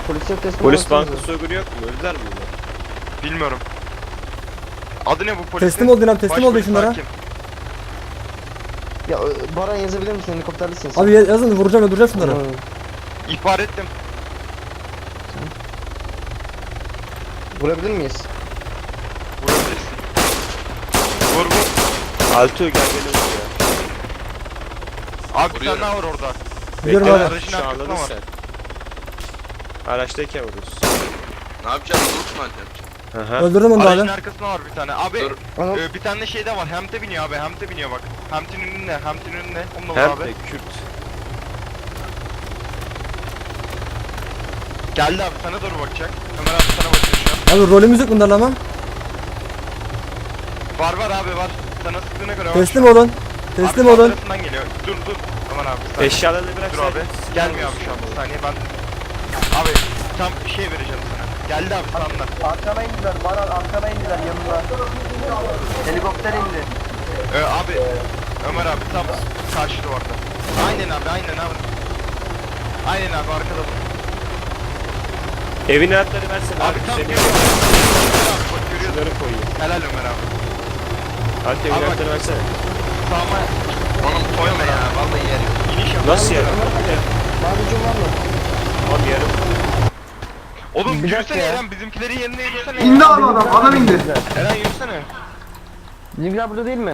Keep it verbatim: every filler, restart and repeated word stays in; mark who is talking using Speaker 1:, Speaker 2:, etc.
Speaker 1: Polise teslim
Speaker 2: Polis
Speaker 1: olsanıza.
Speaker 2: banka soygunu yok mu? Öldüler mi bunlar?
Speaker 3: Bilmiyorum. Adı ne bu polisin?
Speaker 4: Teslim ol Dinan, teslim ol
Speaker 3: Başpolis
Speaker 4: şunlara.
Speaker 3: hakim.
Speaker 1: Ya Baran yazabilir misin? Helikopterlisin.
Speaker 4: Abi yazın, vuracağım öldüreceğim şunları.
Speaker 1: Tamam.
Speaker 3: İhbar ettim.
Speaker 1: Vurabilir miyiz?
Speaker 3: Vurabilirsin. Vur vur.
Speaker 2: Altuğ gel gel öldür ya.
Speaker 3: Abi bir tane daha var orada.
Speaker 4: Biliyorum
Speaker 2: Bekle,
Speaker 4: abi.
Speaker 3: Aracın
Speaker 2: Şu
Speaker 3: arkasında
Speaker 2: anladın
Speaker 3: var.
Speaker 2: sen. Araçtayken vururuz.
Speaker 5: Ne yapacağız? Loot mu yapacağız?
Speaker 2: Aha.
Speaker 4: Öldürdüm onu da
Speaker 3: Aracın
Speaker 4: abi.
Speaker 3: arkasında var bir tane. Abi
Speaker 5: Dur.
Speaker 1: Anam.
Speaker 3: e, bir tane de şey de var. Hemte biniyor abi. Hemte biniyor bak. Hemtin önünde. Hemtin önünde. Onunla var
Speaker 2: Hem
Speaker 3: abi.
Speaker 2: de Kürt.
Speaker 3: Geldi abi sana doğru bakacak. Ömer abi sana bakıyor şu an.
Speaker 4: Abi rolümüz yok bunlarla ama.
Speaker 3: Var var abi var. Sana sıktığına göre var.
Speaker 4: Teslim olun. Teslim
Speaker 3: Abi sağ
Speaker 4: olun.
Speaker 3: tarafından geliyor. Dur dur. Aman abi. bir saniye.
Speaker 2: Eşyalarını bırak
Speaker 3: Dur
Speaker 2: sen.
Speaker 3: abi. Gelmiyor abi şu an. Bir saniye ben. Abi tam bir şey vereceğim sana. Geldi abi sağından.
Speaker 6: Arkana indiler, bana arkana indiler yanına. Helikopter indi.
Speaker 3: Ee, abi Ömer abi tam karşı duvarda. Aynen abi aynen abi. Aynen abi arkada bu.
Speaker 2: Evin anahtarı versene
Speaker 3: Abi
Speaker 2: abi.
Speaker 3: tam
Speaker 2: Senin
Speaker 3: geliyor. Ömer abi bak görüyorsun.
Speaker 2: şunları koyayım.
Speaker 3: Helal Ömer abi.
Speaker 2: Altuğ evin
Speaker 3: Abi bak.
Speaker 2: anahtarı versene.
Speaker 3: Sağıma
Speaker 5: Oğlum koyma ya. Vallahi yerim.
Speaker 3: iniş yap.
Speaker 2: Nasıl ya?
Speaker 1: Bağırıcım var mı?
Speaker 2: Abi yarım.
Speaker 3: Oğlum
Speaker 1: Bir dakika
Speaker 3: yürüsene
Speaker 1: ya.
Speaker 3: Eren bizimkileri yerine yürüsene.
Speaker 6: İndi abi adam, adam indi.
Speaker 3: Eren yürüsene.
Speaker 1: Bizimkiler burada değil mi?